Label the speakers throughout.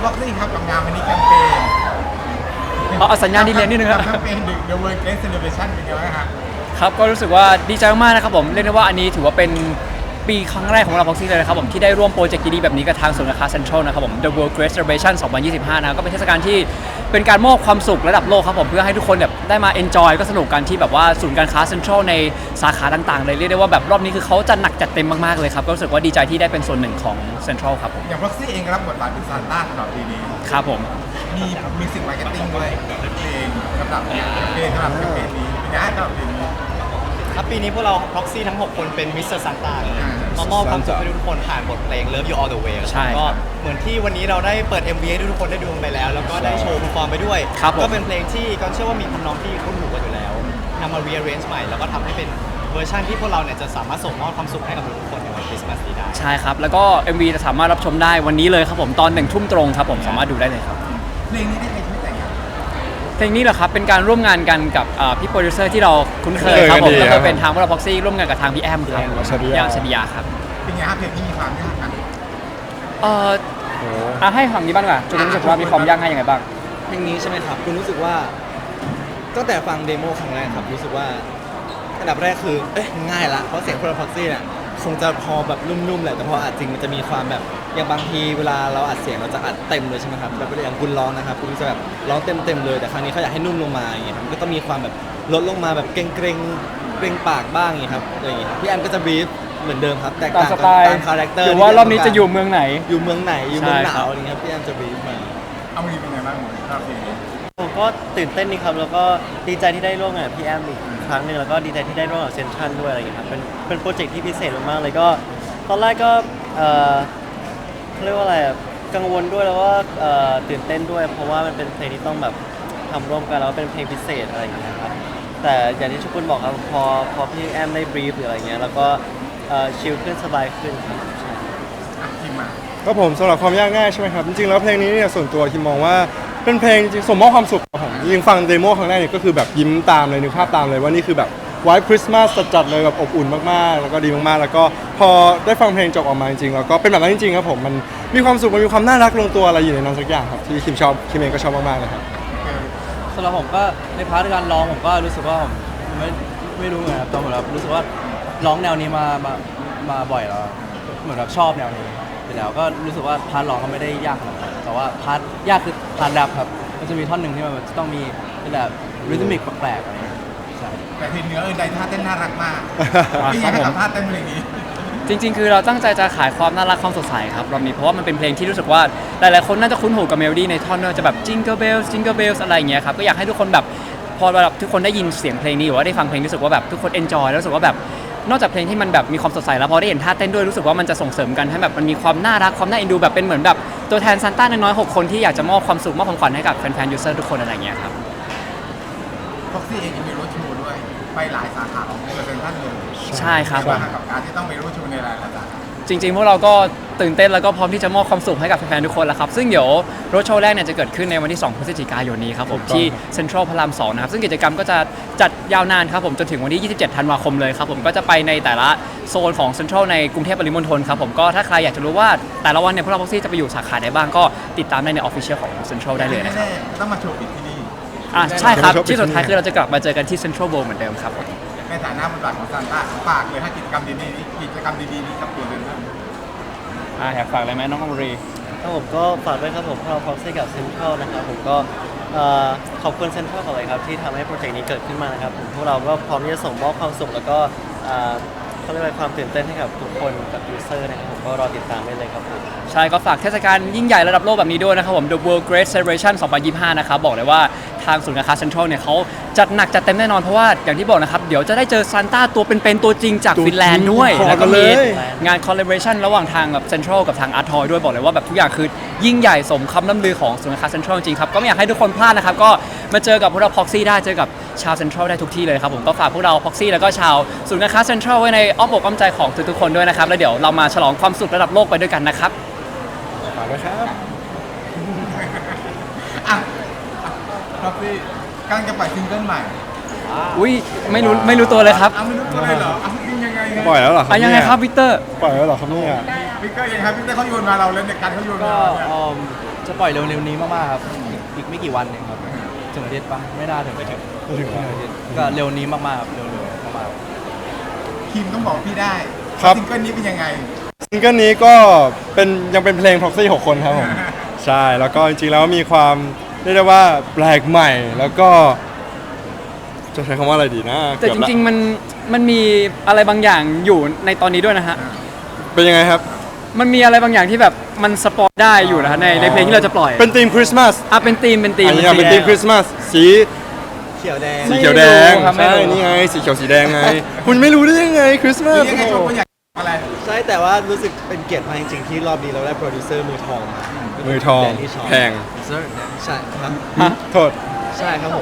Speaker 1: บ็อกซี่ครับกับงานวันนี้แคมเปญ
Speaker 2: เอาสัญญาณดีเลย์นิดนึงครับ
Speaker 1: แคมเปญ The World Great Celebration เป็นไงบ้างครับ
Speaker 2: ครับก็รู้สึกว่าดีใจมากๆนะครับผมเรียกได้ว่าอันนี้ถือว่าเป็นปีครั้งแรกของเราพ็อกซี่เลยนะครับผมที่ได้ร่วมโปรเจกต์ดีๆแบบนี้กับทางศูนย์การค้าเซ็นทรัลนะครับผม The World Great Celebration 2025นะครับก็เป็นเทศกาลที่เป็นการมอบความสุขระดับโลกครับผมเพื่อให้ทุกคนแบบได้มา enjoy ก็สนุกกันที่แบบว่าศูนย์การค้าเซ็นทรัลในสาขาต่างๆเลยเรียกได้ว่าแบบรอบนี้คือเขาจัดหนักจัดเต็มมากๆเลยครับก็รู้สึกว่าดีใจที่ได้เป็นส่วนหนึ่งของเซ็นทรัลครับผม
Speaker 1: อย่างบ็อกซี่เองรับบทบาทเป็นซานต้าสำหรับปีนี้
Speaker 2: ครับผม
Speaker 1: มีมิวสิกมาร์เก็ตติ้งด้วยเพลงสำหรับแคมเปญสำหรับแคมเปญนี้เป็นไงสำหรับปีนี้
Speaker 3: ครับปีนี้พวกเราพ็อกซี่ทั้ง 6 คนเป็นมิสเตอร์ซานต้ามามอบความสุขให้ทุกคนผ่านบทเพลง Love You All the Way
Speaker 2: ใช่
Speaker 3: ก็เหมือนที่วันนี้เราได้เปิด MV ให้ทุกคนได้ดูกันไปแล้วแล้วก็ได้โชว์เพอร์ฟอร์มไปด้วยก็เป็นเพลงที่ก็เชื่อว่ามีคนน้องที่คุ้นหูกันอยู่แล้วนำมา rearrange ใหม่แล้วก็ทำให้เป็นเวอร์ชันที่พวกเราเนี่ยจะสามารถส่งมอบความสุขให้กับทุกคนในวันคริสต์มาสนี้ได้
Speaker 2: ใช่ครับแล้วก็ MV จะสามารถรับชมได้วันนี้เลยครับผมตอน1 ทุ่มตรงครับผมสามารถดูได้เลยครับ
Speaker 1: เพลงนี้ได้ใครช่วยแต่งครับ
Speaker 2: เพลงนี้เหรอครับเป็นการร่วมงานกันกับพี่โปรดิวเซอร์ที่เราคุ้นเคยครับผมแล้วก็เป็นทางวอลพ็อกซี่ร่วมงานกับทางพี่แอมครับพี่แอมชดิยาครับ
Speaker 1: เป็นไงครับเพลงนี้มีความยากกัน
Speaker 2: ให้ฝั่งนี้บ้างดีกว่าจุดรู้สึกว่ามีความยากง่ายยังไงบ้าง
Speaker 4: เพลงนี้ใช่ไหมครับคุณรู้สึกว่าตั้งแต่ฟังเดโมครั้งแรกครับรู้สึกว่าอันดับแรกคือง่ายละเพราะเสียงคนละพ็อกซี่เนี่ยคงจะพอแบบนุ่มๆแหละแต่พออัดจริงมันจะมีความแบบอย่างบางทีเวลาเราอัดเสียงเราจะอัดเต็มเลยใช่ไหมครับแบบอย่างคุณร้องนะครับคุณจะแบบร้องเต็มเลยแต่ครั้งนี้เขาอยากให้นุ่มลงมาอย่างเงี้ยครับก็ต้องมีความแบบลดลงมาแบบเกรงปากบ้างอย่างเงี้ยครับอะไรอย่างเงี้ยพี่แอมก็จะบีฟเหมือนเดิมครับแตกต่างกันตามคาแรคเตอร์
Speaker 2: หรือว่ารอบนี้จะอยู่เมืองไหน
Speaker 4: อยู่เมืองไหนอยู่เมืองหนาวอะไรเงี้ยพี่แอมจะบีฟมา
Speaker 1: เอามีเป็นไงบ้างหมดรอบเพลงนี้
Speaker 5: ผมก็ตื่นเต้นดีครับแล้วก็ดีใจที่ได้ร่วมงานกับพี่แอมอีกครั้งหนึ่งแล้วก็ดีใจที่ได้ร่วมกับเซนทรัลด้วยอะไรอย่างเงี้ยครับเป็นโปรเจกต์ที่พิเศษมากๆเลยก็ตอนแรกก็เขาเรียกว่าอะไรกังวลด้วยแล้วว่าตื่นเต้นด้วยเพราะว่ามันเป็นเพลงที่ต้องแบบทำร่วมกันแล้วเป็นเพลงพิเศษอะไรอย่างเงี้ยครับแต่อย่างที่ทุกคนบอกครับพอพี่แอมได้บรีฟหรืออะไรเงี้ยแล้วก็ชิลขึ้นสบายขึ้นครับใช่
Speaker 1: ทีมมา
Speaker 6: ก็ผมสำหรับความยากง่ายใช่ไหมครับจริงๆแล้วเพลงนี้เนี่ยส่วนตัวที่มองว่าเป็นเพลงจริงสมมอบความสุขของผมจริงฟังเดโมครั้งแรกเนี่ยก็คือแบบยิ้มตามเลยนึกภาพตามเลยว่านี่คือแบบไวท์คริสต์มาสจัดๆเลยแบบอบอุ่นมากๆแล้วก็ดีมากๆแล้วก็พอได้ฟังเพลงจบออกมาจริงๆแล้วก็เป็นแบบนั้นจริงๆครับผมมันมีความสุขมันมีความน่ารักลงตัวอะไรอยู่ในนั้นสักอย่างครับที่คิมชอบคิมเองก็ชอบมากๆเลยครับ
Speaker 7: สำหรับผมก็ในพาร์ทการร้องผมก็รู้สึกว่าผมไม่รู้เหมือนกันครับตอนผมแบบรู้สึกว่าร้องแนวนี้มาบ่อยแล้วเหมือนแบบชอบแนวนี้ไปแล้วก็รู้สึกว่าพาร์ทร้องก็ไม่ได้ยากขนาดนั้นแต่ว่าพาร์ทยากคือพาร์ทแรปครับมันจะมีท่อนหนึ่งที่มันจะต้องมีเป็นแบบริทึมิกแปลกๆอะไรอย่างเงี้ยใช่
Speaker 1: แต่ทีเนื้อใดท่าเต้นน่ารักมากไม่อยากให้สัมภาษณ์เต้นเพลงนี้
Speaker 2: จริงๆคือเราตั้งใจจะขายความน่ารักความสดใสครับรอบนี้เพราะว่ามันเป็นเพลงที่รู้สึกว่าหลายๆคนน่าจะคุ้นหูกับเมโลดี้ในท่อนจะแบบ Jingle Bells Jingle Bells อะไรอย่างเงี้ยครับก็อยากให้ทุกคนแบบพอแบบทุกคนได้ยินเสียงเพลงนี้หรือว่าได้ฟังเพลงรู้สึกว่าแบบทุกคน enjoy แล้วรู้สึกว่าแบบนอกจากเพลงที่มันแบบมีความสดใสแล้วพอได้เห็นท่าเต้นด้วยรู้สึกว่ามันจะส่งเสริมกันให้แบบมันมีความน่ารักความน่าเอ็นดูแบบเป็นเหมือนแบบตัวแทนซานต้าน้อยๆ6 คนที่อยากจะมอบความสุขมอบของขวัญให้กับแฟนๆยูเซอร์ทุกคนอะไรอย่างเงี้ยครับ
Speaker 1: พ็อกซี่เองมีรถโชว์ด้วยไปหลายสาขาของเซ็นทรัลเลย
Speaker 2: ใช่ครับ
Speaker 1: กับการที่ต้องไปรถโชว์ในหลายสาขา
Speaker 2: จริงๆพวกเราก็ตื่นเต้นแล้วก็พร้อมที่จะมอบความสุขให้กับแฟนๆทุกคนแล้วครับซึ่งเดี๋ยวรถโชว์แรกเนี่ยจะเกิดขึ้นในวันที่2 พฤศจิกายนนี้ครับผมที่เซ็นทรัลพระราม 2นะครับซึ่งกิจกรรมก็จะจัดยาวนานครับผมจนถึงวันที่27 ธันวาคมเลยครับผมก็จะไปในแต่ละโซนของเซ็นทรัลในกรุงเทพปริมณฑลครับผมก็ถ้าใครอยากจะรู้ว่าแต่ละวันเนี่ยพวกเราพ็อกซี่จะไปอยู่สาขาไหนบ้างก็ติดตามได้ในออฟฟิเชียลของเซ็นทรัลได้เลยนะครับ
Speaker 1: ต้องมาโชว์ปิดที่นี่
Speaker 2: ใช่ครับที่สุดท้ายคือเราจะกลับมาเจอกันที่เซ็นทรัลเวิลด์เหมือนเดิมครับ
Speaker 1: ในฐานะบทบาทของซานต้าฝากเลยถ้ากิจกรรมดีๆนี้กับตัวเซ็นทรัล
Speaker 2: อยากฝากอะไรไหมน้องอมรี
Speaker 5: ครับผมก็ฝากด้วยครับผมเราพ็อกซี่กับเซ็นทรัลนะครับผมก็ขอบคุณเซ็นทรัลก่อนเลยครับที่ทำให้โปรเจกต์นี้เกิดขึ้นมานะครับผมพวกเราก็พร้อมที่จะส่งมอบความสุขแล้วก็เขาเรียกว่าความตื่นเต้นให้กับทุกคนกับยูเซอร์นะครับผมก็รอติดตามได้เลยครับผม
Speaker 2: ใช่ก็ฝากเทศกาลยิ่งใหญ่ระดับโลกแบบนี้ด้วยนะครับผม The World Great Celebration 2025นะครับบอกเลยว่าทางศูนย์การค้าเซ็นทรัลเนี่ยเขาจัดหนักจัดเต็มแน่นอนเพราะว่าอย่างที่บอกนะครับเดี๋ยวจะได้เจอซานต้าตัวเป็นๆตัวจริงจากฟินแลนด์ด้วยแล้วก็มีงาน collaboration ระหว่างทางแบบเซ็นทรัลกับทางอาร์ทอยด้วยบอกเลยว่าแบบทุกอย่างคือยิ่งใหญ่สมคำล่ำลือของศูนย์การค้าเซ็นทรัลจริงครับก็ไม่อยากให้ทุกคนพลาดนะครับก็มาเจอกับพวกเราพ็อกซี่ได้เจอกับชาวเซ็นทรัลได้ทุกที่เลยครับผมก็ฝากพวกเราพ็อกซี่แล้วก็ชาวศูนย์การค้าเซ็นทรัลไว้ในอ้อมอกอ้อมใจของทุกๆคนด้วยนะครับแล้วเดี๋ยวเรามาฉลองความสุขระดับโลกไปด้วยกันนะครับ
Speaker 6: ฝากด้วยครับ
Speaker 1: พ็อกซี่กำลังจะปล่อยซิงเกิลใหม่
Speaker 2: อุ้ยไม่รู้ตัวเลยครับ
Speaker 1: ไม่รู้ตัวเลยเหรอยังไง
Speaker 6: ปล่อยแล้วเหรอ
Speaker 2: ยังไงครับวิกเตอร์
Speaker 6: ปล่อยแล้วเหรอครับเนี่ย
Speaker 1: วิกเตอร์ยังครับวิกเตอร์เขาโยนมาเราเล่นในการเขาโยนมา
Speaker 5: ก็
Speaker 7: จะปล่อยเร็วๆนี้มากๆครับอีกไม่กี่วันเองครับถึงอาทิตย์ปะไม่น่าถึงไม่ถึงอาทิตย์ก็เร็วนี้มากๆครับเร็วๆมากๆ
Speaker 1: ทีมต้องบอกพี่ได้
Speaker 6: ครับ
Speaker 1: ซิงเกิลนี้เป็นยังไง
Speaker 6: ซิงเกิลนี้ก็ยังเป็นเพลง Proxy 6 คนครับผม ใช่แล้วก็จริงๆแล้วมีความเรียกได้ว่าแปลกใหม่แล้วก็จะใช้คำว่าอะไรดีนะ
Speaker 2: แต่จริงๆมันมีอะไรบางอย่างอยู่ในตอนนี้ด้วยนะฮะ
Speaker 6: เป็นยังไงครับ
Speaker 2: มันมีอะไรบางอย่างที่แบบมันสปอยได้อยู่นะฮะในเพลงที่เราจะปล่อย
Speaker 6: เป็นธีมคริสต์มาส
Speaker 2: เป็นธีม
Speaker 6: อันนี้เป็นธีมคริสต์มาสสี
Speaker 4: เขียวแดง
Speaker 6: สีเขียวแดง
Speaker 2: ไม่รู้ครับไม่
Speaker 6: ใช่
Speaker 2: รู้
Speaker 6: นี่ไงสีเขียวสีแดงไง คุณไม่รู้ได้ยังไงคริสต์มา
Speaker 1: หรื
Speaker 6: ส
Speaker 1: อยังไงโชว์คนอยากอะไร
Speaker 4: ใช่แต่ว่ารู้สึกเป็นเกียรติมากจริงๆที่รอบนี้เราได้โปรดิวเซอร์มือทองมา
Speaker 6: มือทอง
Speaker 4: แดนนี่ชอบ
Speaker 6: แพง
Speaker 4: ใช่ครับ
Speaker 6: โทษ
Speaker 4: ใช่ครับผม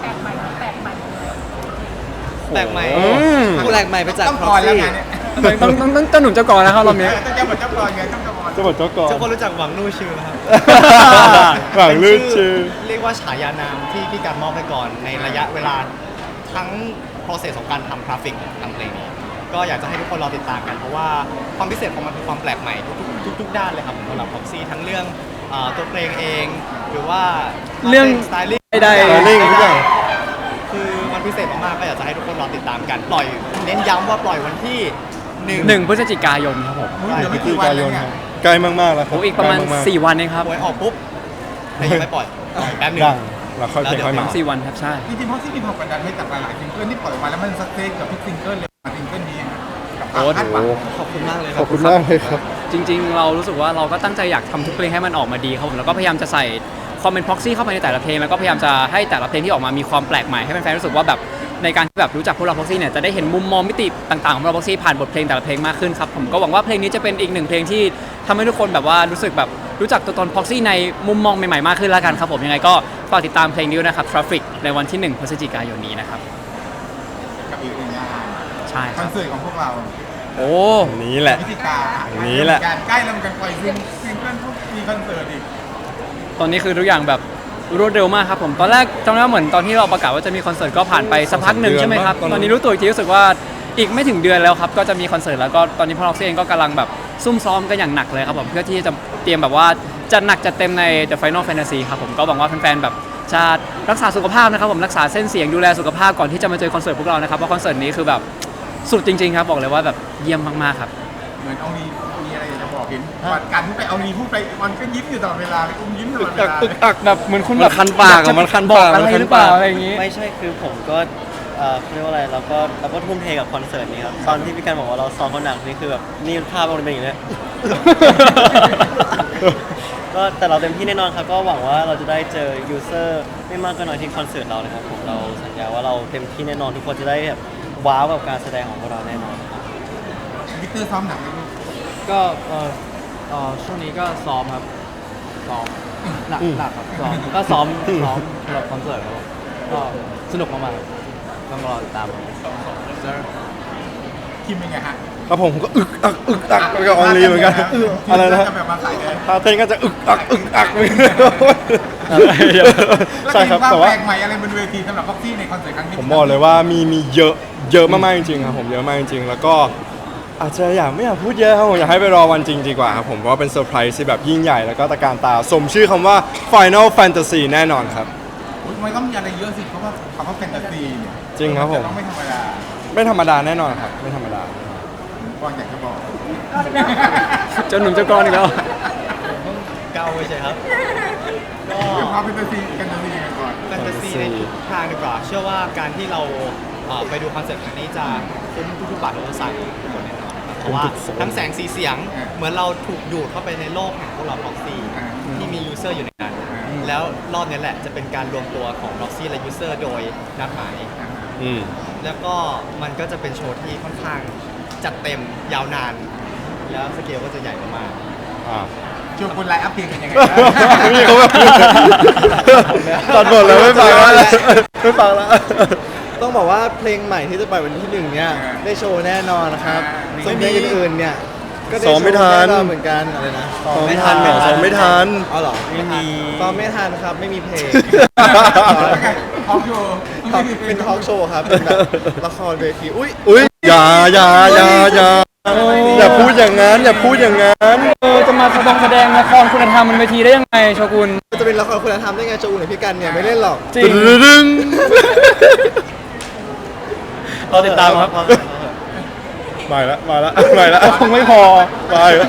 Speaker 3: แปลกใหม่
Speaker 6: อืม
Speaker 4: ผู้แรกใหม่ไปจาก
Speaker 1: ต้องก่อนแล้วไงเนี่ย
Speaker 2: ต้องเจ้าหนุ่มเจ้ากรนะครับรอบนี้
Speaker 1: ต้องเจ้าบทเจ้าก่อนไงต้องเจ้าก่อน
Speaker 6: เจ้าบทเจ้ากร
Speaker 3: ทุกคนรู้จักหวังลู่ชื่อไหมครับ
Speaker 6: หวังลื่นชื่อ
Speaker 3: เรียกว่าฉายานามที่พี่การมอบให้ก่อนในระยะเวลาทั้ง process ของการทำกราฟิกทำเพลงนี้ก็อยากจะให้ทุกคนรอติดตามกัน เพราะว่าความพิเศษของมันคือความแปลกใหม่ทุกด้านเลยครับสำหรับ Proxy ทั้งเรื่องตัวเพลงเอง หรือว่า
Speaker 2: เรื่อง
Speaker 3: สไตลิ่ง
Speaker 2: ได้
Speaker 6: Styling ทุกอย่าง
Speaker 3: คือมันพิเศษมากๆก็อยากจะให้ทุกคนรอติดตามกันปล่อยเน้นย้ำว่าปล่อยวันที่1
Speaker 2: 1 พฤศจิกายนครับผม
Speaker 1: เดี๋ยว
Speaker 6: พฤ
Speaker 1: ไม่
Speaker 6: ศ
Speaker 1: กี่
Speaker 6: จิ
Speaker 1: วัน
Speaker 6: กา
Speaker 1: แล้
Speaker 6: ยว น
Speaker 1: เนี่
Speaker 6: ค
Speaker 1: ย
Speaker 6: รับใกล้มากๆแล้วครับ
Speaker 2: อีกประมาณ
Speaker 6: ใกล้ก
Speaker 2: 4 วันเองครับ
Speaker 3: หวยออกปุ๊บแต่ยังไม่ปล่อยแป๊บหนึง
Speaker 6: ดังแล้วค่อยเพลงค่อยมา
Speaker 2: 4 วันครับใช่
Speaker 1: จริงๆเพราะที่มีความกดดันให้จากหลายๆซิงเกิลที่ปล่อยออกมาแล้วมันสเต็กกับทุกซิงเกิลเลยมาซิงเกิลนี้กับความคาดหวัง
Speaker 4: ขอบคุณมากเลยค
Speaker 6: ข
Speaker 4: รั
Speaker 6: อบบ คุณมากเลยครับ
Speaker 2: จริงๆ เรารู้สึกว่าเราก็ตั้งใจอยากทำทุกเพลงให้มันออกมาดีครับผมแล้วก็พยายามจะใส่ความเป็น proxy เข้าไปในแต่ละเพลงแล้วก็พยายามจะให้แต่ละเพลงที่ออกมามีความแปลกใหม่ให้แฟนๆรู้สึกว่าแบบในการที่แบบรู้จักพวกเรา proxy เนี่ยจะได้เห็นมุมมองมิติต่างๆของเรา proxy ผ่านบทเพลงแต่ละเพลงมากขึ้นครับผมก็หวังว่าเพลงนี้จะเป็นอีกหนึ่งเพลงที่ทำให้ทุกคนแบบว่ารู้สึกแบบรู้จักตัวตน proxy ในมุมมองใหม่ๆมากขึ้นแล้วกันครับผมยังไงก็ฝากติดตามเพลงนี้ด้วยนะครับ traffic ในวันที่1 พฤศจิกายนนี้นะครับ
Speaker 1: กับอีกหนึ่งงาน
Speaker 2: ใช่ค
Speaker 1: คอ
Speaker 2: รั
Speaker 1: น
Speaker 2: บ
Speaker 1: เสิร์ตของพวกเรา
Speaker 2: โอ้
Speaker 6: นี้แหละ
Speaker 1: พิธีกา
Speaker 6: นี่แหละ
Speaker 1: การใกล้แล้วเหมือนกันปล่อยซิงเกิลทุกมีคอนเสิร์ตอีก
Speaker 2: ตอนนี้คือทุกอย่างแบบรวดเร็วมากครับผมตอนแรกจำได้ว่าเหมือนตอนที่เราประกาศว่าจะมีคอนเสิร์ตก็ผ่านไปสักพักหนึ่งใช่ไหมครับ
Speaker 6: ตอนนั้น
Speaker 2: ตอนนี้รู้ตัวอีกทีรู้สึกว่าอีกไม่ถึงเดือนแล้วครับก็จะมีคอนเสิร์ตแล้วก็ตอนนี้พวกเราเองก็กำลังแบบซุ่มซ้อมกันอย่างหนักเลยครับผมเพื่อที่จะเตรียมแบบว่าจะหนักจะเต็มใน The Final Fantasy ครับผมก็หวังว่าแฟนๆแบบจะรักษาสุขภาพนะครับผมรักษาเส้นเสียงดูแลสุขภาพก่อนที่จะมาเจอคอนเสิร์ตพวกเรานะครับเพราะคอนเสิร์ตนี้คือแบบสุดจริงๆครับบอกเลยว่าแบบเยี่ยมมากๆครับ
Speaker 1: เหมือนเอามีอะไรอยากจะบอกเห็นวันการที่ไปเอานีพูดไปมันก็ยิ้มอยู่ตลอดเวลาอุ้มยิ้มตลอดเวลา
Speaker 2: แบบเหมือนคุณ
Speaker 6: มัน
Speaker 2: แบบ
Speaker 6: คันปากอะมันคัน
Speaker 2: บอก
Speaker 6: ปาก
Speaker 2: อะไร
Speaker 6: มันคัน
Speaker 2: หรือเปล่า
Speaker 6: ปาก
Speaker 2: อะไรอย่างนี้
Speaker 5: ไม่ใช่คือผมก็เรียกว่าอะไรเราก็ทุ่มเทกับคอนเสิร์ตนี้ครับตอนที่พี่การบอกว่าเราซ้อมเขาหนักนี่คือแบบนี่ภาพมันเป็นอย่างนี้ ก็แต่เราเต็มที่แน่นอนครับก็หวังว่าเราจะได้เจอยูเซอร์ไม่มากก็น้อยที่คอนเสิร์ตเรานะครับผมเราสัญญาว่าเราเต็มที่แน่นอนทุกคนจะได้แบบว้าวกับการแสดงของพวกเราแน่นอน
Speaker 1: วิกเตอร์ซ้อมหนักไหมลูก
Speaker 7: ก็ช่วงนี้ก็ซ้อมครับซ้อมหนักครับซ้อมก็ซ้อมสำหรับคอนเสิร์ตครับผมก็สนุกมากๆต้องรอติดตามครับ
Speaker 1: คิมเป็นไงฮะ
Speaker 6: ครับผมก็อึกอักกับออนลีเหมือนกันอะไรนะ
Speaker 1: จะแบบมาใส่เลย
Speaker 6: ท่าเต้นก็จะอึกอักเหมือนกัน
Speaker 1: แล้ว
Speaker 6: ใช่ครับ
Speaker 1: มีวาม
Speaker 6: แต่ว่า
Speaker 1: แปลกใหม่อะไรบนเวทีสำหรับพ็อกซี่ในคอนเสิร์ตครั้งนี้
Speaker 6: ผมบอกเลยว่ามีเยอะมากๆจริงๆครับผมเยอะมากจริงๆแล้วก็อาจจะไม่อยากพูดเยอะครับผมอยากให้ไปรอวันจริงดีกว่าครับผมเพราะว่าเป็นเซอร์ไพรส์ที่แบบยิ่งใหญ่แล้วก็ตระการตาสมชื่อคำว่า Final Fantasy แน่นอนครับ
Speaker 1: ทำไมต้องมีอะไรเยอะสิเพราะว่าคำว่าแฟนตาซีเนี่ย
Speaker 6: จริงครับผม
Speaker 1: ต้องไม่ธรรมดา
Speaker 6: ไม่ธรรมดาแน่นอนครับไม่ธรรมดา
Speaker 1: ก่อนอยากจะบอก
Speaker 2: เจ้าหนุ่มเจ้ากรอีกแล้ว
Speaker 3: เก้าเฉยๆครับ ก็
Speaker 1: เรื่องความแฟนตาซีกันตาซีกันก่อน
Speaker 3: แฟนตาซีในทุกทางดีกว่า เชื่อว่าการที่เราไปดูคอนเสิร์ตครั้งนี้จะคุ้มทุกๆบาททุกสตางค์ทุกคนแน่นอนนะครับเพราะว่าทั้งแสงสีเสียงเหมือนเราถูกดูดเข้าไปในโลกแห่งพวกเรา Proxy ที่มียูเซอร์อยู่ในนั้น แล้วรอบนี้แหละจะเป็นการรวมตัวของ Proxy และยูเซอร์โดยนัดหมาย
Speaker 6: อืม
Speaker 3: แล้วก็มันก็จะเป็นโชว์ที่ค่อนข้างจัดเต็มยาวนาน แล้วสเกลก็จะใหญ่มาก
Speaker 1: ชวนคนไลน์อัพเพลงกันยังไง
Speaker 6: นี่เขาแบบตัดบทเลยไม่ฟังแล้วไม่ฟังแล้ว
Speaker 4: ต้องบอกว่าเพลงใหม่ที่จะปล่อยวันที่1เนี่ยได้โชว์แน่นอนนะครับส่วนเพลงอื่นๆเนี่ยก็ได้
Speaker 6: ซ้
Speaker 4: โช
Speaker 6: อม
Speaker 4: ว์
Speaker 6: ไม่ทั
Speaker 4: แน่
Speaker 6: น
Speaker 4: นอนเหมือนกันอะไรนะ
Speaker 6: ซ้อมไม่ทันซ้อมไม่ทัน
Speaker 4: เอาเหรอ
Speaker 5: ไม่มี
Speaker 4: ซ้อมไม่ทันครับไม่มีเพลง
Speaker 1: พร้อมโชว์
Speaker 4: เป็นทอล์กโชว์ครับเป็นแบบละครเวทีอุ้ย
Speaker 6: อุ้ยอย่าอย่าพูดอย่างนั้นอย่าพูดอย่างนั้น
Speaker 2: จะมาแสดงละครคุณธรรมบนเวทีได้ยังไงโชกุน
Speaker 4: จะเป็นละครคุณธรรมได้ไงโจอุ่นกับพี่กันเนี่ยไม่เล่นหรอก
Speaker 2: จริง
Speaker 6: ดึง
Speaker 2: เราติดตามครับ
Speaker 6: มาละมาละมาละ
Speaker 2: คงไม่พอ
Speaker 6: มาละ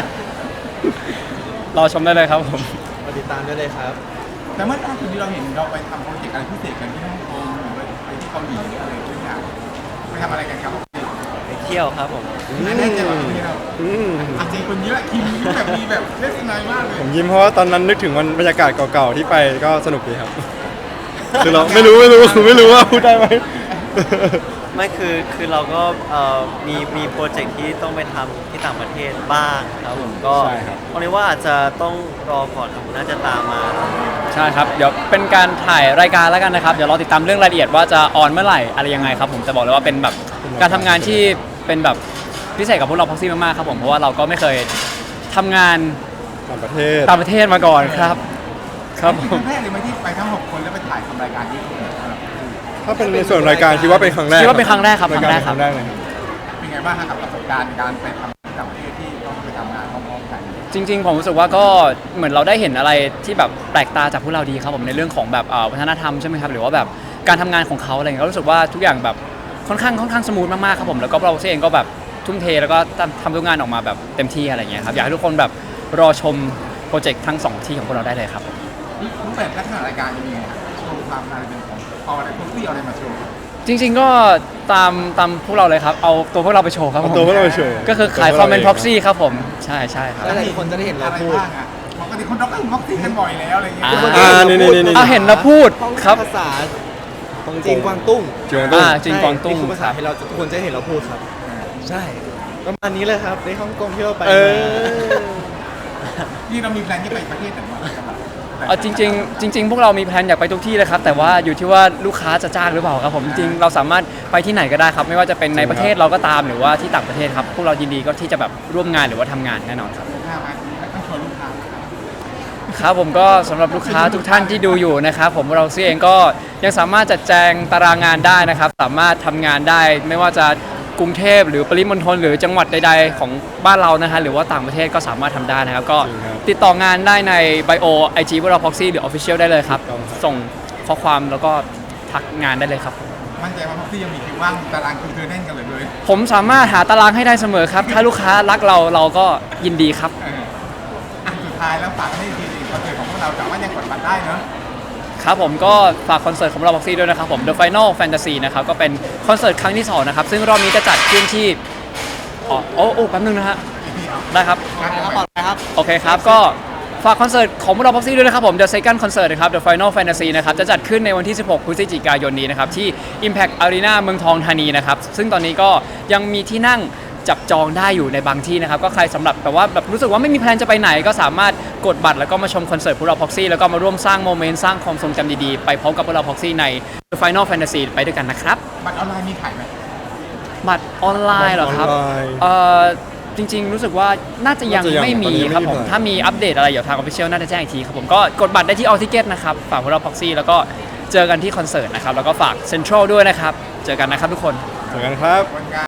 Speaker 2: รอชมได้เลยครับผม
Speaker 4: มาติดตามได้เลยครับ
Speaker 1: แต่เมื่อตอนที่เราเห็นเราไปทำโปรเจกต์อะไรพิเศษกันที่ฮ่องกงหรือไปที่เกาหลีอะไรทุกอย่างไปทำอะไรกันครับ
Speaker 5: ไปเที่ยวครับผม
Speaker 1: นั่นแน่ใจว่าที่เราจริงคนนี้แหละคิมแบบมีแบบเล่นสนายมากเลย
Speaker 6: ผมยิ้มเพราะว่าตอนนั้นนึกถึงวันบรรยากาศเก่าๆที่ไปก็สนุกดีครับ คือเราไม่รู้ว่าพูดได้ไหม
Speaker 5: ไม่คือเราก็มีโปรเจกต์ที่ต้องไปทำที่ต่างประเทศบ้างครับผมก็
Speaker 6: ใช่ครับ
Speaker 5: วันนี้ว่าอาจจะต้องรอก่อนครับน่าจะตามมา
Speaker 2: ใช่ครับ เดี๋ยวเป็นการถ่ายรายการแล้วกันนะครับ เดี๋ยวรอติดตามเรื่องรายละเอียดว่าจะออนเมื่อไหร่อะไรยังไงครับผมจะบอกเลยว่าเป็นแบบการทำงานที่เป็นแบบพิเศษกับพวกเราพ็อกซี่มากๆครับผมเพราะว่าเราก็ไม่เคยทำงาน
Speaker 6: ต่างประเทศ
Speaker 2: ต่างประเทศมาก่อนครับ ครับผ
Speaker 1: ค
Speaker 2: ม
Speaker 1: รั้งแรกเลยไหมที่ไปทั้ง6คนแล้วไปถ่ายทำรายการที่
Speaker 6: ถ้าเป็นในส่วนรายการคิดว่าเป็นครั้งแรก
Speaker 2: คิดว่าเป็นครั้งแรกครับ
Speaker 6: าย
Speaker 2: ครั้งแรกครับ
Speaker 6: เลยครับ
Speaker 1: เป็นไงบ้างครับประสบการณ์การไปทำต่างประเทศที่ต้องไปทำงานพร้อมๆกัน
Speaker 2: จริงๆผมรู้สึกว่าก็เหมือนเราได้เห็นอะไรที่แบบแปลกตาจากพวกเราดีครับผมในเรื่องของแบบวัฒนธรรมใช่ไหมครับหรือว่าแบบการทำงานของเขาอะไรเงี้ยก็รู้สึกว่าทุกอย่างแบบค่อนข้างสมูทมากๆครับผมแล้วก็เราเองก็แบบทุ่มเทแล้วก็ทำทุกงานออกมาแบบเต็มที่อะไรเงี้ยครับอยากให้ทุกคนแบบรอชมโปรเจกต์ทั้ง2ที่ของพวกเราได้เลยครับผม
Speaker 1: รูปแบบลักษณะรายการจะมีไงโชว์ความอะไรเป็นของเอาอะไรคนที่เอาอะไรมาโชว์
Speaker 2: จริงๆก็ตามพวกเราเลยครับเอาตัวพวกเราไปโชว์ครับผม
Speaker 6: เอาตัวพวกเราไปโชว์
Speaker 2: ก็คือขายความเป็นพ็อกซี่ครับผมใช่ครับ
Speaker 4: แล้วหลายคนจะได้เห็นเราพูด
Speaker 1: อะไรบ้างอ่ะปกติคนเราก็ม็อกซี่กันบ่อยแล้วอะไรเงี้ย
Speaker 2: อ่าเห็นเราพูดครับ
Speaker 4: ภาษาจีนกวางตุ้ง
Speaker 6: จริงตุ้ง
Speaker 2: จีนกวางตุ้ง
Speaker 4: นี่คือภาษาที่เราทุกคนจะเห็นเราพูดครับ ใช่ประมาณนี้เลยครับในฮ่องกงที่เราไป
Speaker 6: เอ
Speaker 4: มา
Speaker 6: อ
Speaker 1: นี่เรามีแพลนที่ไปประเทศไหนบ้างครับ
Speaker 2: เอาจริงๆพวกเรามีแพลนอยากไปทุกที่เลยครับแต่ว่าอยู่ที่ว่าลูกค้าจะจ้างหรือเปล่าครับผมจริงๆเราสามารถไปที่ไหนก็ได้ครับไม่ว่าจะเป็นในประเทศเราก็ตามหรือว่าที่ต่างประเทศครับพวกเรายินดีก็ที่จะแบบร่วมงานหรือว่าทำงานแน่นอนครับ
Speaker 1: หน้ามาต้องชวนลูกค้า
Speaker 2: ครับผมก็สำหรับลูกค้าทุกท่านที่ดูอยู่นะครับผมเราเองก็ยังสามารถจัดแจงตารางงานได้นะครับสามารถทำงานได้ไม่ว่าจะกรุงเทพหรือปริมณฑลหรือจังหวัดใดๆของบ้านเรานะฮะหรือว่าต่างประเทศก็สามารถทำได้นะครับก็
Speaker 6: จริงครับ
Speaker 2: ติดต่องานได้ในไบโอไอจีพวกเราพ็อกซี่หรือ Official ได้เลยครับ
Speaker 6: ถูกต้องครับ
Speaker 2: ส่งข้อความแล้วก็ทักงานได้เลยครับ
Speaker 1: มั่นใจว่าพ็อกซี่ยังมีคิวว่างตารางคิวเธอแน่นกันเลย
Speaker 2: ผมสามารถหาตารางให้ได้เสมอครับ ถ้าลูกค้ารักเราก็ยินดีครับ
Speaker 1: สุดท้ายแล้วฝากให้ทีคอนเสิร์ตของพวกเราสามารถยังกดบัตรได้เนอะ
Speaker 2: ครับผมก็ฝากคอนเสิร์ตของเราพ็อกซี่ด้วยนะครับผม The Final Fantasy นะครับก็เป็นคอนเสิร์ตครั้งที่2นะครับซึ่งรอบนี้จะจัดขึ้นที่แป๊บนึงนะฮะได้ครับ
Speaker 4: ครับ
Speaker 2: โอเคครับ ก็ฝากคอนเสิร์ตของพวกเราพ็อกซี่ด้วยนะครับผม The Second Concert นะครับ The Final Fantasy นะครับจะจัดขึ้นในวันที่ 16 พฤศจิกายนนี้นะครับที่ Impact Arena เมืองทองธานีนะครับซึ่งตอนนี้ก็ยังมีที่นั่งจับจองได้อยู่ในบางที่นะครับก็ใครสำหรับแบบว่าแบบรู้สึกว่าไม่มีแพลนจะไปไหนก็สามารถกดบัตรแล้วก็มาชมคอนเสิร์ตพวกเราพ็อกซี่แล้วก็มาร่วมสร้างโมเมนต์สร้างความทรงจำดีๆไปพร้อมกับพวกเราพ็อกซี่ใน The Final Fantasy ไปด้วยกันนะครับ
Speaker 1: บัตรออนไลน์มีขายไหม
Speaker 2: บัตรออนไลน์เหรอครับ
Speaker 6: บัตรออนไลน์
Speaker 2: จริงๆ รู้สึกว่าน่าจะยัง
Speaker 6: น่าจะยัง
Speaker 2: ไม่มี
Speaker 6: ตอนนี้ยังไม่
Speaker 2: ครับผม
Speaker 6: มี
Speaker 2: ถ้ามีอัปเดตอะไรเดี๋ยวทาง Official น่าจะแจ้งอีกทีครับผมก็กดบัตรได้ที่ All Ticket นะครับฝากพวกเราพ็อกซี่แล้วก็เจอกันที่คอนเสิร์ตนะครับแล้วก็ฝาก Central ด้วยนะครับเจอกันนะครับทุกคน
Speaker 6: เจอกันครับ
Speaker 1: วันงาน